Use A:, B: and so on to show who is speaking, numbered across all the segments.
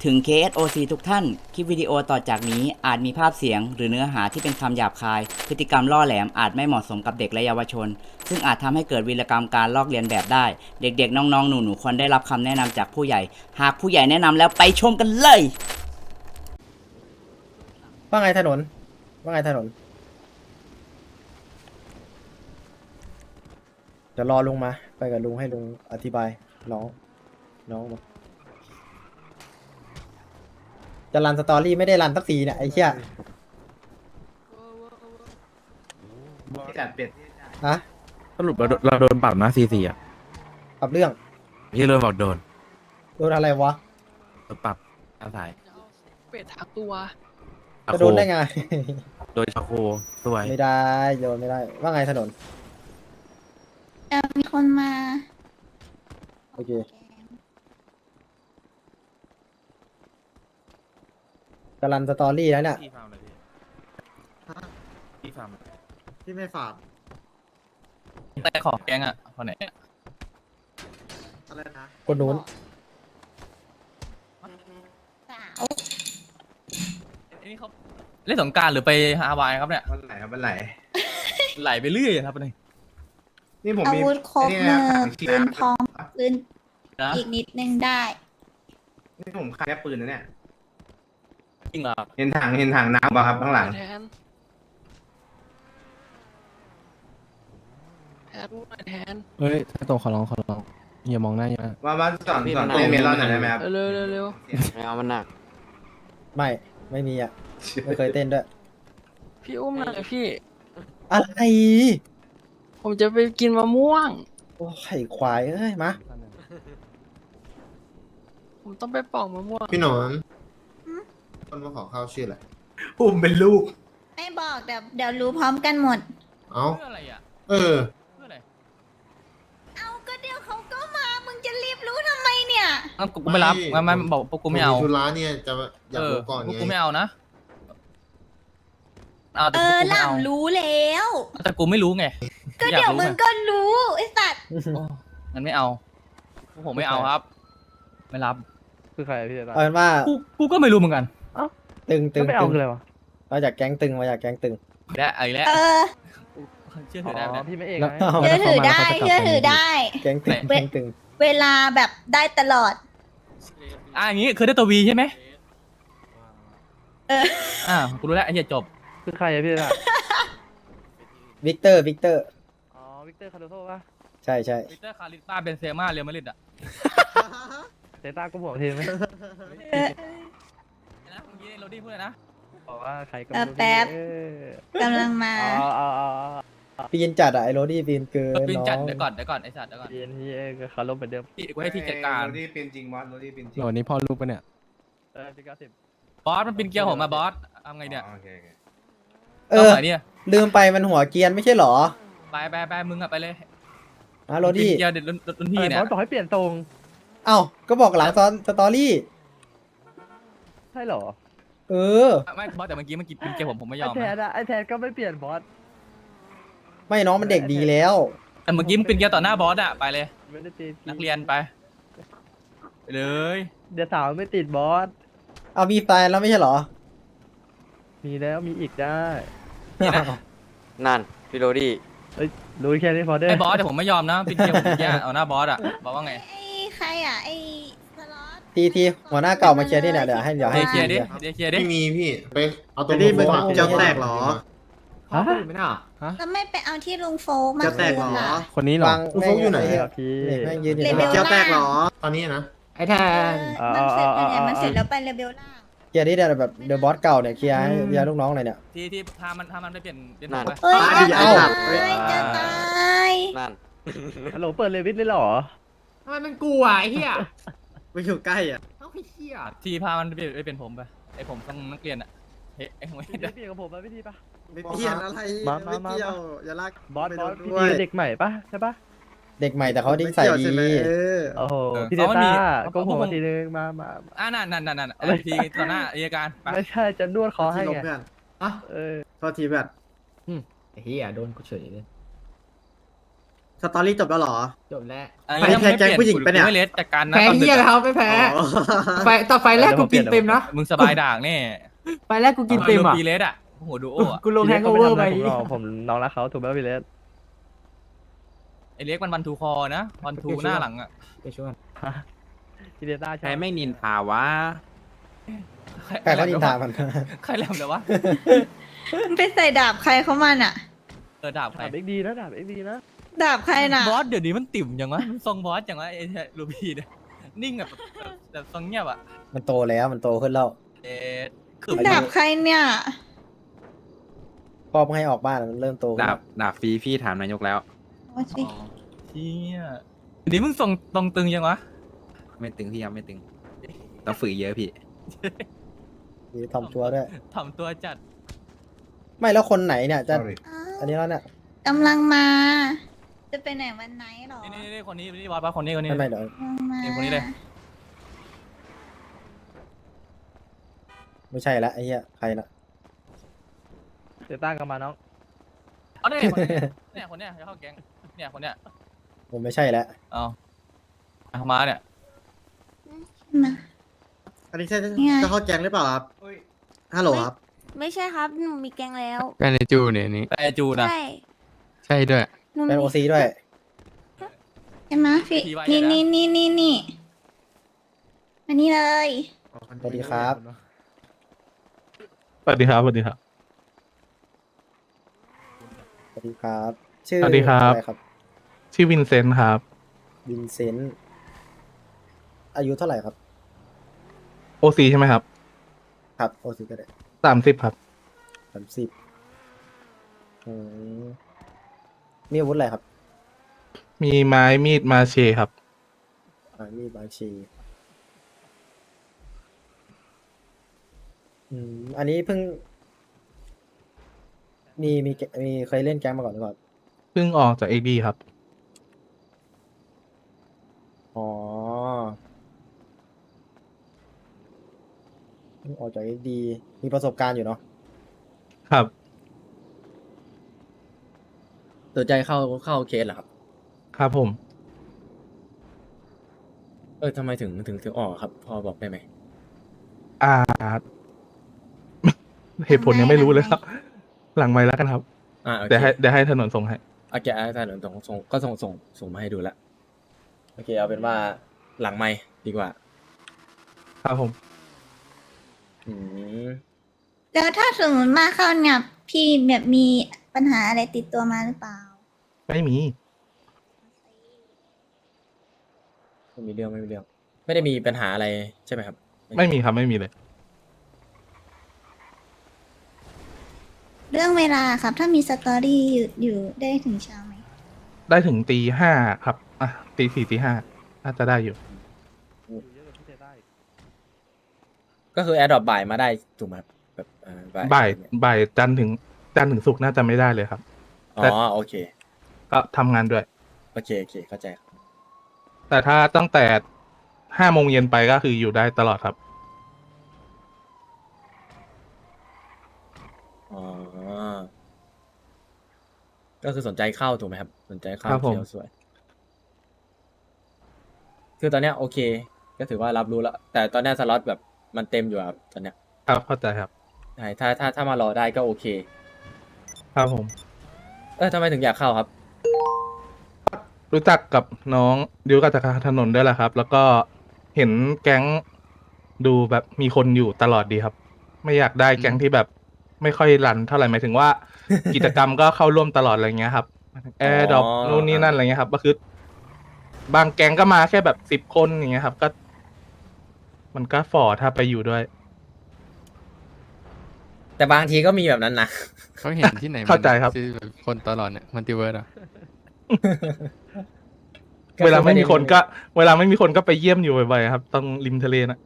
A: ถึง KSOC ทุกท่าน คลิปวิดีโอต่อจากนี้อาจมีภาพเสียงหรือเนื้อหาที่เป็นคำหยาบคาย พฤติกรรมล่อแหลมอาจไม่เหมาะสมกับเด็กและเยาวชน ซึ่งอาจทำให้เกิดวีรกรรมการลอกเลียนแบบได้ เด็กๆ น้องๆ หนูๆ ควรได้รับคำแนะนำจากผู้ใหญ่ หากผู้ใหญ่แนะนำแล้วไปชมกันเลย
B: ว่าไงถนนว่าไงถนนเดี๋ยวรอลุงมาไปกับลุงให้ลุงอธิบายน้องมาจะรันสตอรี่ไม่ได้รันสักทีเนี่ยไอ้เชี่ย
C: ที่จัดเป็ด
B: ฮะ
D: สรุปเราโดนปรับนะ44อ่ะ
B: ปรับเรื่อง
D: พี่เริ่มบอกโดน
B: โดนอะไรวะ
D: โดนปรับอาศัย
E: เป็ดทั้งตัว
B: จะโดนได้ไง
D: โดยชาโคสวย
B: ไม่ได้โดนไม่ได้ ว่าไงถนน
F: มีคนมา
B: โอเคจะรันสตอรี่แล้วเนี่ย
D: พี่ฟาร์มเลยพี่ฟาร์ม
C: ที่ไม่ฝาก
E: แต่ของแกงอ่ะคนไหน
C: อะไรนะ
B: คนนู้น
F: สาว
E: นี่เขาเล่นสงกรารหรือไปฮาวายครับเนี่ย
C: วันไหนครับวันไหน
E: ไหลไปเรื่อยอะครับนี่
C: นี่ผม
F: อา
C: มี
F: วุธครบ
C: นี่
F: มื
C: นะ
F: อ
C: ถังเชีย
F: ปืน
C: ร์
F: พร้อมปืน
E: นะ
F: อีกนิดนึงได้
C: นี่ผมขายแค่ปืนนะเนี่ย
E: จริงเหรอ
C: เห็นถังน้ำป่ะครับข้างหลัง
E: แทนแทน
D: เฮ้ยถ้าโตขอร้องอย่ามองหน้าอย่า
C: ว่าสอนเต้นเมลอนหน่อยได้ไหมครับ
E: เร็วเร็ว
G: ไม่เอามันหนัก
B: ไม่มีอ่ะ ไม่เคยเต้นด้วย
E: พี่อุ้มหน่อยพี่
B: อะไร
E: ผมจะไปกินมะม่วง
B: โอ้ไข่ควายเอ้ยมา
E: ผมต้องไปปอกมะม่วง
H: พี่หนอน
F: หืม
H: คนมาขอข้าวชื่ออะไร
C: อุ้มเป็นลูก
F: ไม่บอกเดี๋ยวรู้พร้อมกันหมด
H: เอ้า
E: เพื่ออะไรอ่ะ
H: เออ
E: เพื่ออะไร
F: เอาก็เดี๋ยวเขาก็มา มึงจะรีบรู้ทำไมเนี่ย
E: งั้นกูไม่รับงั้นบอกพวกกูไม่เอา
H: ธุระเนี่ยจะอยากรู้ก่อน
E: พวก
H: ไง
E: กูไม่เอานะเอาแต่
F: เอ
E: พวก
F: อ
E: กู
F: ห
E: ไม่
F: ล่
E: เอา
F: ำรู้แล้ว
E: แต่กูไม่รู้ไง
F: ก็
E: อยาก
F: เดี๋ยว
E: รู้
F: มึง
E: ไง
F: ก็รู้ไอ้สัตว์
E: โอ้งั้นไม่เอาพวกผมไม่เอาครับ ไม่รับ
D: คือใครพี่
B: เอาเป็นว่า
E: กูก็ไม่รู้เหมือนกัน
B: ตึง
D: ไม่เอาคืออะไรวะ
B: มาจากแก๊งตึงมาจากแก๊งตึง
E: และไอ้และ
F: เออ
E: เชื่อถือได้ไหม
D: พี่ไม่เอก
B: แล้ว
F: เชื่อถือได้เชื่อถือได้
B: แก๊งตึง
F: เว้ย
B: แก๊งตึง
F: เวลาแบบได้ตลอด
E: อย่างงี้คือได้ตัววีใช่ไหม
F: เออ
E: กูรู้แล้วไอ้เหี้ยจบ
D: คือใครอะพี่ล่ะ
B: วิกเตอร์
D: อ๋อวิกเตอร์คาร์โดโซ่ป่ะ
B: ใช่
E: วิกเตอร์คาริสมาเบนเซม่าเรอัลมาดริดอ่ะ
D: เซต้าก็บอกทีไหม
E: นะเมื่อกี้โรดี้พูดเลยนะ
D: บอกว่าใครก็
F: แป๊บ กำลังมา
B: ปีนจัดอะไอโรดี้ปีนเกิน
E: ปีน
B: น้
E: จัด
B: อง
E: เดี๋ยวก่อนไอ้สัตว์เดี๋ยวก่อน
D: เรียนที่คาร์โลเหมือนเดิม
E: พี่กูให้ที่จัดการ
C: โรดี้เป็นจริงบอสโรดี้เป็นจริง
D: วันนี้พ่อลูกปะเนี่ยพี่90
E: บอสมันปีนเกียร์ผมมาบอสทำไงเนี่ย
C: โอเค
B: เอ
E: เอา
B: อ
E: ไหนเนี่ย
B: ลืมไปมันหัวเกรียนไม่ใช่เหรอ
E: ไปมึงอะไปเลย
B: นะโร
E: ปี
B: ดี้
E: นเกียร์เด็ดรุ่นพี่เนี่ย
D: บอสบอกให้เปลี่ยนทรง
B: เอ้าก็บอกหลังตอนสตอรี่
D: ใช่เหรอ
B: เออ
E: ไม่บอสแต่เมื่อกี้มันกินปีนเกียร์ผมไม่ย
D: ไอ
E: อม
D: แทน
E: นะ
D: อะไอแทนก็ไม่เปลี่ยนบอส
B: ไม่น้องมันเด็กดีแล้ว
E: แต่เมื่อกี้มันปีนเกียร์ต่อหน้าบอสอะไปเลย
D: ไม่ได้ตี
E: นักเรียนไปเลย
D: เดี๋ยวสาวไม่ติดบอส
B: เอามีแฟนแล้วไม่ใช่เหรอ
D: มีแล้วมีอีกได้
G: นั่นพี่โรดี้
D: รู้แค่นี้พอได้
E: ไอ้บอสแต่ผมไม่ยอมนะปีนเกียร์ผมเมื่อกี้เอาหน้าบอสอะบอกว่าไง
F: ไอ้ใครอ่ะ ไอ้สล็อต
B: ทีหัวหน้าเก่ามาเคลียร์ที่เนี่ยเดี๋ยวให้
E: เดี๋ยวเคลียร์ดิ
B: เคลียร์
E: เดี๋ยวเคลียร์ดิ
H: ไม่มีพี่ ไปเอาตัว
C: จะได้เป็น
H: โฟม
C: เจ้าแตกเหรอ
D: ฮะ
C: ไม่น่า
F: แล้วไม่ไปเอาที่ลุงโฟกมา
C: จะแตกเหรอ
F: คืนล่ะ
D: คนนี้เหรอ
B: วาง
H: ลูกโฟกอยู่ไหน
D: ครับพี่
B: แม่งยืนอยู่
F: เล
B: ข้าง
F: เว
B: ห
F: ล
B: ลัง
C: เจ้าแตกเหรอ
H: ตอนนี้นะ
C: ไอ้แทน
F: มันเสร็จไปเนี่ยมันเสร็จแล้วไปเลเวลล่าง
B: เคลียร์ที่เดี๋ยวแบบเดอะบอสเก่าเนี่ยเคลียร์ให้เคลียร์ลูกน้องหน่อยเนี่ย
E: ที่พามันไปเปลี่ยนผมไป
F: เฮ้ย
C: ตายดิ
F: จะ
C: ไอ้สั
F: ตา
C: ตว์
F: ยจะตาย
G: นั่น
D: ฮัลโหลเปิดเลวิสเลยเหรอ
C: ทำไมมันกลัวไอ้เหี้ยไปอยู่ใกล้อ่ะเอ้าไอ้เหี้ย
E: ที่พามันไปเปลี่ยนผมไปไอ้ผมต้องนักเรียนอะเฮ้ยไอ้ผมไม่
D: พี่
E: ได้
D: เปลี่ยนกับผมมาพี่ทีปะ
C: ไม่เปลี่ยนอะไร
D: มา
C: ไม่เกี่ยว
D: มา
C: อย่าลาก
D: บอส
C: ไม่
D: บอ
C: โด
D: ส
C: น
D: พี่
C: ด้ว
D: ที
C: ย
D: เป็นเด็กใหม่ปะใช่ปะ
B: เด็กใหม่แต่เขาดิ้งใส่
C: ไม่
B: ดี
C: เกี่ยวใช่ไหมเออ
D: โอ้โห
E: เออ
D: พี่เด
E: เขาไม่มี
D: ต้า
E: เขา
D: ก็ผม
E: เขา
D: มาทีนึงมา
E: นั่นทีต่อหน้าอัยการไป
D: ไม่ใช่จะนวดคอให้
C: ที่ลบ
D: ไง
C: เพื่อนอ่ะ
D: เออ
C: โทษทีเพื่อนไอ้เหี้ยโดนกูเฉยเลยสตอรี่จบแล้วเหรอ
I: จบแล้ว
C: ไปแทนแก๊งผู้หญิงปะเนี่ย
E: ไม่เลสจากการนะ
I: แพ้
E: ตอนดึ
I: เฮีย
E: ก
I: แล้ว
E: อะ
I: ไม่แพ้
C: อ๋อ
I: ไฟแรกกูกินเต็มนะ
E: มึงสบายด่างแน่
I: ไฟแรกกูกินเต็มอ่ะ
E: ปีเลสอ่ะโอ้โหดูโอ้อะ
I: กูลงแฮงโอเวอร์ไป
D: ผมรอผมน้องรักเขาถูกไหมพี่เลส
E: ไอเล็กมันวันทูคอนะวันทูหน้าหลังอ่ะ
I: ไปช่วย
D: พี่เลสได้
J: ใครไม่นินทาวะ
B: ใครเขานินทามัน
E: ใครแหลมเลยวะ
F: มึงไปใส่ดาบใครเขามันอะ
E: ดาบใคร
D: ดาบเอ็กดีนะดาบเอ็กดีนะ
F: ดาบใครน่ะ
E: บอสเดี๋ยวนี้มันติ่มอย่างวะมันทรงบอสอย่างวะไอ้ลูบี้เนี่ยนิ่งแบบทรงเงียบอ่ะ
B: มันโตแล้วมันโตขึ้นแล้ว
E: เอ๊ะคือ
F: ดาบใครเนี่ย
B: พ่อไม่ให้ออกบ้านมันเริ่มโตขึ้น
J: ดา
B: แล้
J: บ
B: ว
J: ดาบฟรีพี่ถามนายกแล้ว
F: ว่าสิ
E: เชี่ยเดี๋ยวนี้มึงทรงตรงตึงยังวะ
J: ไม่ตึงพี่ยังไม่ตึงต้องฝึกเยอะพี่
B: มีทำตัวด้วย
E: ถ่อมตัวจัด
B: ไม่แล้วคนไหนเนี่ยจะ
F: อ้าว
B: อันนี้แล้วเนี่ย
F: กำลังมา จะไปไหนวันไหนหรอ
E: นี่คนนี้บอสปะคนนี้
B: ไม่ไม่เดี๋ยว
F: กำลังมา
E: คนนี้เลย
B: ไม่ใช่ละไอ้เหี้ยใครนะ
D: เซต้ากันมาน้อง
E: เอาเนี่ยคนเนี้ยจะเข้าแก๊งเนี่ยคนเนี้ย
B: ผมไม่ใช่แล้ว
E: เอามาเนี่ย
F: มา
C: อันนี้ใช่
F: ไง
C: จะเข้าแก๊งหรือเปล่าครับฮัลโหลครับ
F: ไม่ใช่ครับ หนูมีแกงแล้ว
J: ก็ในจูเนี่ยนี่
E: แต่จูนะ
F: ใช่
J: ใช่ด้วย
F: หนู
B: เป็น
F: มี
B: โอซีด้วย
F: ใช่ไหมพี่
E: ทีไว้
F: นี่
E: เนี่ยนะ
F: นี่อันนี้เลย
B: สวัสดีครับ
D: สวัสดีครับสวัสดีครับ
B: สวัสดีครับ ชื่อ
D: สวัสดีครับ
B: อะไรครับ
D: ชื่อวินเซนต์ครับ
B: วินเซนต์อายุเท่าไหร่ครับ
D: โอซีใช่ไหมครับ
B: ครับโอซีก็ได้
D: 30ครับ
B: 30มีอาวุธอะไรครับ
D: มีไม้มีดมาเชครับ
B: มีบาชีอันนี้เพิ่ง มีเคยเล่นแก๊งมาก่อนหรือเปล่า
D: เพิ่งออกจากเอ็กดีครับ
B: อ๋อเพิ่งออกจากเอ็กดีมีประสบการณ์อยู่เนาะ
D: ครับ
K: สนใจเข้าเคสเหรอครับ
D: ครับผม
K: ทำไมถึงออกครับ พอบอกได้ไหม
D: อ่า เหตุผลยังไม่รู้เลยครับ หลังไม้แล้วกันครับ
K: โอเค
D: เดี๋ยวให้ถนนส่งให้
K: โอเคอาจารย์ส่งมาให้ดูแล้วโอเคเอาเป็นว่าหลังไมค์ดีกว่า
D: ครับผม
K: อืม
F: แล้วถ้าสมมติมาเข้าเนี่ยพี่แบบมีปัญหาอะไรติดตัวมาหรือเปล่า
D: ไม่มี
K: ไม่มีเรื่อง ไม่ได้มีปัญหาอะไรใช่ไหมครับ
D: ไม่มีครับไม่มีเลย
F: เรื่องเวลาครับ ถ้ามีสตอรี่อยู่ได้ถึงเช้าไหม
D: ได้ถึงตี 5ครับ อ่ะตี 4ตี 5น่าจะได้อยู่
K: ก็คือแอดดอปบ่ายมาได้ถูกไหมครับแบบ
D: บ่ายจันทร์ถึงศุกร์น่าจะไม่ได้เลยครับ
K: อ๋อโอเค
D: ก็ทำงานด้วย
K: โอเคเข้าใจครับ
D: แต่ถ้าตั้งแต่5 โมงเย็นไปก็คืออยู่ได้ตลอดครับ
K: อ๋อก็คือสนใจเข้าถูกไหมครับ สนใจเข้า
D: ครับผม
K: เขียวสวย คือตอนเนี้ยโอเค ก็ถือว่ารับรู้แล้ว แต่ตอนเนี้ยสล็อตแบบมันเต็มอยู่ครับตอนเนี้ย
D: ครับเข้าใจครับ
K: ใช่ถ้ามารอได้ก็โอเค
D: ครับผม
K: ทำไมถึงอยากเข้าครับ
D: รู้จักกับน้องดิวกับจากถนนด้วยแหละครับ แล้วก็เห็นแก๊งดูแบบมีคนอยู่ตลอดดีครับ ไม่อยากได้แก๊งที่แบบไม่ค่อยรันเท่าไหร่หมายถึงว่า กิจกรรมก็เข้าร่วมตลอดอะไรเงี้ยครับแอร์ดรอปนู่นนี่นั่นอะไรเงี้ยครับ ก็คือบางแก๊งก็มาแค่แบบ10 คนอย่างเงี้ยครับ ก็ มันก็ฝ่อถ้าไปอยู่ด้วย
K: แต่บางทีก็มีแบบนั้นนะ
J: เขาเห็นที่ไหน
D: เข้าใจครับ
J: ที่แบบคนตลอดเนี่ยมัลติเวิร์สอ่ะ
D: เวลาไม่มีคนก็ไปเยี่ยมอยู่บ่อยๆครับตรงริมทะเลนะ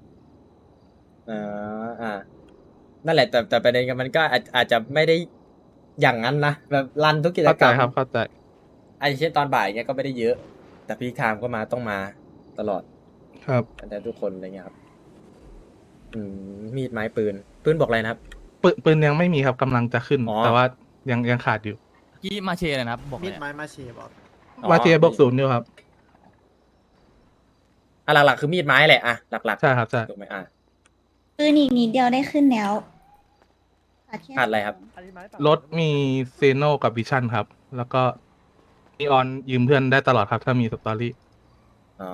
K: นั่นแหละแต่ประเด็นกันมันก็อาจจะไม่ได้อย่างนั้นนะแบบรันทุกกิจ
D: เข้าก
K: ร
D: ใจ
K: รม
D: ครับเข้าใจ
K: ไอ้เช่นตอนบ่ายเงี้ยก็ไม่ได้เยอะ แต่พีคไทม์ก็ต้องมาตลอด
D: ครับ
K: แต่ทุกคนอะไรเงี้ยครับ มีดไม้ปืนบอกอะไรนะครับ
D: ปืนยังไม่มีครับกำลังจะขึ้น
K: อ๋อ
D: แต่ว่ายังขาดอยู่
E: กี้มาเชเลยนะครับบอกเล
C: มี
E: ย
C: ด
E: อะ
C: ไม้มาเชบอก
D: YTA บวกศูนย์อยู่ครับ
K: หลักๆคือมีดไม้แหละหลักๆ
D: ใช่ครับใช่
K: ถูกไหม
F: ปืนอีกนิดเดียวได้ขึ้นแล้วแค่
K: ขาดอะไรครับ
D: รถมีเซโนกับวิชั่นครับ แล้วก็มีออนยืมเพื่อนได้ตลอดครับถ้ามีสตอรี่
K: อ๋อ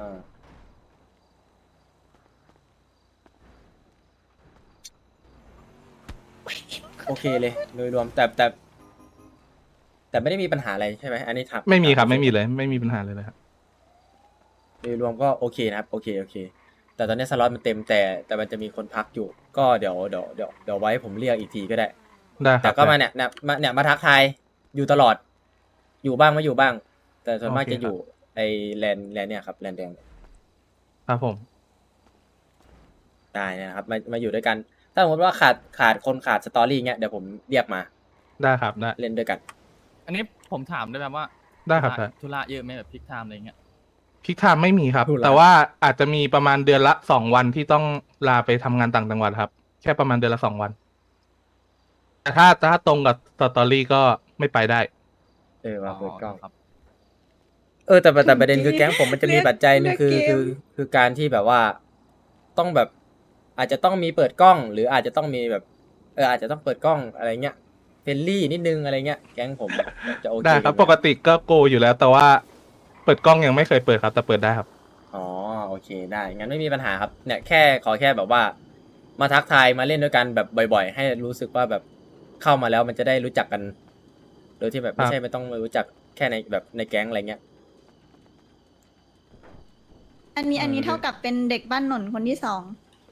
K: โอเคเลยโดยรวมแต่ไม่ได้มีปัญหาอะไรใช่ไหมอันนี้ครับ
D: ไม่มีครับไม่มีเลยไม่มีปัญหาเลยครับ
K: โดยรวมก็โอเคนะครับโอเคแต่ตอนนี้สล็อตมันเต็มแต่มันจะมีคนพักอยู่ ก็เดี๋ยวไว้ผมเรียกอีกทีก็ได้
D: ได้ครั
K: แต่
D: บ
K: ก็มาเนี่ยมาทักทายอยู่ตลอด อยู่บ้างไม่อยู่บ้าง แต่ส่วนมาก
D: โอเค
K: จะอยู่ไอแลนด์เนี่ยครับแลนด์แดง
D: ครับผม
K: ได้นะครับมาอยู่ด้วยกัน ถ้าสมมติว่าขาดคนขาดสตอรี่เงี้ยเดี๋ยวผมเรียกมา
D: ได้ครับได้
K: เล่นด้วยกัน
E: อันนี้ผมถามได้ไหมว่า
D: ได้ครับได้
E: ธุระเยอะไหมแบบพิกไทม์อะไรเงี้ย
D: พิกไทม์ไม่มีครับ
K: ธุระ
D: แต่ว่าอาจจะมีประมาณเดือนละ2 วันที่ต้องลาไปทำงานต่างจังหวัดครับ แค่ประมาณเดือนละ2 วัน แต่ถ้าตรงกับสตอรี่ก็ไม่ไปได้
K: มาเปิดกล้อง
E: ครับ
K: แต่ประเด็นคือแก๊งผมมันจะมีปัจจัยหนึงคือการที่แบบว่าต้องแบบ อาจจะต้องมีเปิดกล้อง หรืออาจจะต้องมีแบบอาจจะต้องเปิดกล้องอะไรเงี้ยเฟรนลี่นิดนึงอะไรเงี้ยแก๊งผมจะโอเค
D: ได้ครับ
K: อยู่
D: ปกติก็โกอยู่แล้ว แต่ว่าเปิดกล้องยังไม่เคยเปิดครับ แต่เปิดได้ครับ
K: อ๋อโอเคได้งั้นไม่มีปัญหาครับเนี่ยขอแค่แบบว่า มาทักทายมาเล่นด้วยกันแบบบ่อยๆ ให้รู้สึกว่าแบบเข้ามาแล้วมันจะได้รู้จักกัน โดยที่แบบไม่ใช่ไม่ต้องมารู้จักแค่ในแบบในแก๊งอะไรเงี้ย
F: อันนี้เท่ากับเป็นเด็กบ้านหนนคนที่ 2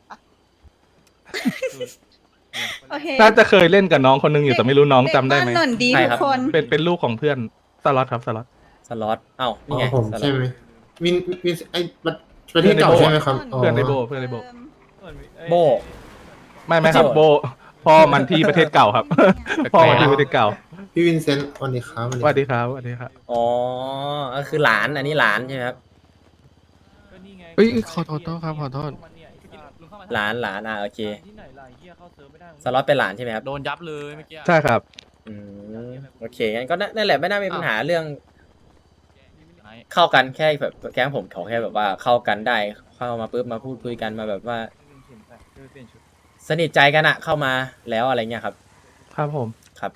F: โอเค
D: น่าจะเคยเล่นกับน้องคนนึงอยู่แต่ไม่รู้น้องจำได้ไหม
F: เกบ้านหนนดี
K: ใช่
F: ทุ
K: ครั
F: ก
K: บ
F: คน
D: เป็นลูกของเพื่อนสล็อตครับสล็อต
K: สล็อตเอ้า
H: อ๋
K: นี่
H: อ
K: ไง
H: ผม
K: สล็อ
H: ใช่
K: ต
H: ไหมวินไอประเทศเก่าใช่ไหมครับอ๋อ
D: เพื่อนในโบเพื่อนในโบ
K: โบ
D: ไม่ครับโบพ่อมันที่ประเทศเก่าครับ พ่อมันที่ประเทศเก่า
H: พี่วินเซนต์วันนี้ครับ
D: สวัสดีครับสวัสดีครับ
K: อ๋อก็คือหลานอันนี้หลานใช่ไหมครับ
J: เฮ้ยขอโทษครับขอโทษ
K: หลานโอเคสล็อตเป็นหลานใช่ไหมครับ
E: โดนยับเลยเมื่อกี้
D: ใช่ครับ
K: อืมโอเคงั้นก็นั่นแหละไม่น่ามีปัญหาเรื่องเข้ากันแค่แบบแก๊งผมขอแค่แบบว่าเข้ากันได้เข้ามาปุ๊บมาพูดคุยกันมาแบบว่า สนิทใจกันอะเข้ามาแล้วอะไรเงี้ยครับ
D: ครับผม
K: ครับ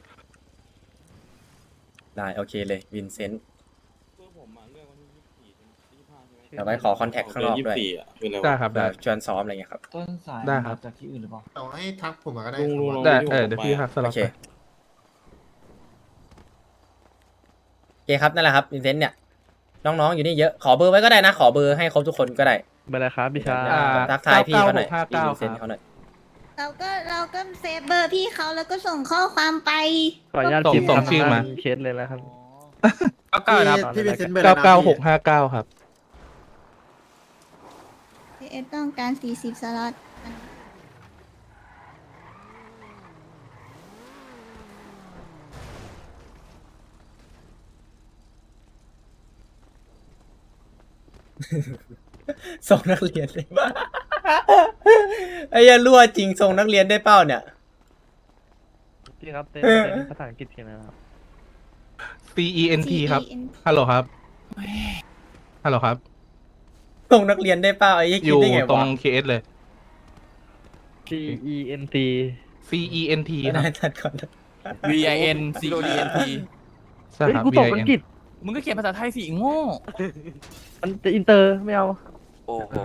K: ได้โอเคเลยวินเซนต์เดี๋ยวไปขอคอนแทคข้างนอกด้วย
D: ได้ครับ
K: แบ
D: ได้
K: บชวนซ้อมอะไรเงี้ยครับ
D: ได้ครับ
H: ต่อให้ทักผมมาก็ได้
D: ได้เดี๋ยวพี่ครับสล็
K: โอ
D: อต
K: เค
D: ไป
K: โอเคครับนั่นแหละครับวินเซนต์เนี่ยน้องๆอยู่นี่เยอะขอเบอร์ไว้ก็ได้นะขอเบอร์ให้ครบทุกคนก็ได้
J: เบอร์อะไรครับพี่ชาย
K: ทักทายพี่เขาหน่อย
D: 99659
K: พี่วินเซนต์เขาหน่อย
F: เราก็เซฟเบอร์พี่เขาแล้วก็ส่งข้อความไป
J: ขออนุญาต
D: ส่งชื่อมา
J: เคสเลยแล้วครับ
C: พี่
J: ครับ
C: พี่วินเซนต์เบอร์อะไรนะพี่
D: 99659ครับ
F: พี่เอสต้องการ40 สล็อต
K: ส่งนักเรียนได้บ้า ไอ้เหี้ยรั่วจริงส่งนักเรียนได้เป้าเนี่ย
J: พี่ครับเต้นภาษาอังกฤษเขียนนะครับ
D: CENT ครับฮัลโหลครับฮัลโหลครับ
K: ส่งนักเรียนได้เป้าไอ้เหี้ย
D: อ
K: คิด
D: ยู่
K: ได้ไง
D: ตร
K: วะ
D: ง KS เลย
J: CENT
D: CENT ค
K: ได้
D: รับ
K: ทัดก่อน
E: VIN CENT
D: ใช่
J: เฮ้ย
D: ครับ
J: กูตกอัง
D: VIN
J: กฤษ
E: มึงก็เขียนภาษาไทยสิโง่
J: มันจะอินเตอร์ไม่เอา
G: โอ้โห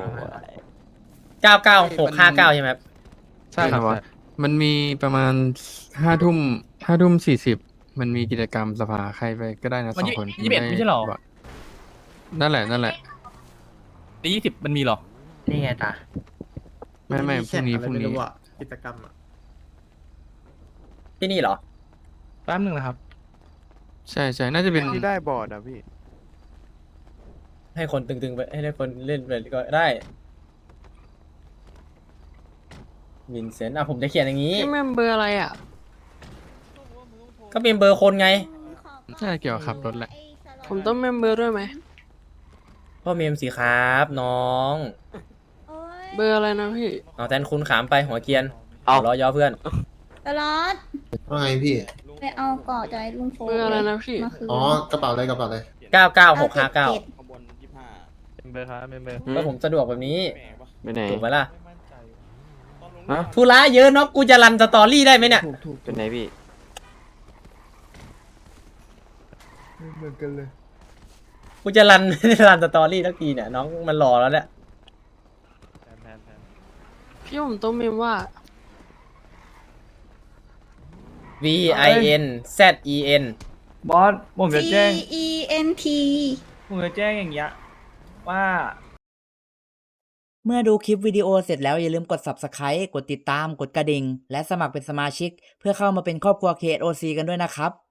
K: 99659ใช่ไหมครับ
D: ใช่ครับใช่
J: มันมีประมาณ5 ทุ่ม40มันมีกิจกรรมสภาใครไปก็ได้นะ
E: มัน
J: 2 คน
E: 21ไม่ใช่หรอ
J: นั่นแหละ
E: ใน20มันมีหรอ
I: นี่ไงตา
J: ไม่พรุ่งนี้
C: แข่อะไรไม่รู้อะกิจกรรมอะ
K: ที่นี่เหรอ
D: แป๊บนึงนะครับ
J: ใช่น่าจะเป็น
I: ที่ได้บอร์ดอ่ะพี่
K: ให้คนตึงๆไปให้คนเล่นไปก็ได้วินเซนต์ผมจะเขียนอย่างนี้
I: นี่มันเบอร์อะไรอ่ะ
K: ก็เป็นเบอร์คนไง
J: ใช่เกี่ยวกับขับรถแหละ
I: ผมต้องเมมเบอร์ด้วยไหม
K: พ่อเมมสิครับน้อง
I: เบอร์อะไรนะพี่
K: เอาแทนคุณขามไปหัวเกรียนเอาล้อย่อเพื่อน
F: สล็อต
H: ว่าไงพี่
F: ไปเอาเกาะจากไอ้ลุงโฟ
I: เบอร์อะไรนะพี่
F: มาคืน
H: อ๋อกระเป๋าเลยกระเป๋าเลย
E: เ
K: 99659
J: เมมเบอร์ครับเมมเบอร์
K: ก็ผมสะดวกแบบนี้
G: ไปไหน
K: ถูกไหมล่ะ
G: ฮะ
K: ธุระเยอะเนาะกูจะรันสตอรี่ได้ไหมเนี่ย
G: เป็นไหนพี่
B: เหมือนกันเลย
K: กูจะรัน ไม่ได้รันสตอรี่ทักทีเนี่ยน้องมันรอแล้วเนี่ย
I: พี่ผมต้องเมมว่า
K: VIN ZEN
E: บอสผมจะ
F: G
E: แจ้ง
F: E N T
E: ผมจะแจ้งอย่างเงี้ยว่า
A: เมื่อดูคลิปวิดีโอเสร็จแล้วอย่าลืมกด Subscribe กดติดตาม กดกระดิ่ง และสมัครเป็นสมาชิก เพื่อเข้ามาเป็นครอบครัว KOC กันด้วยนะครับ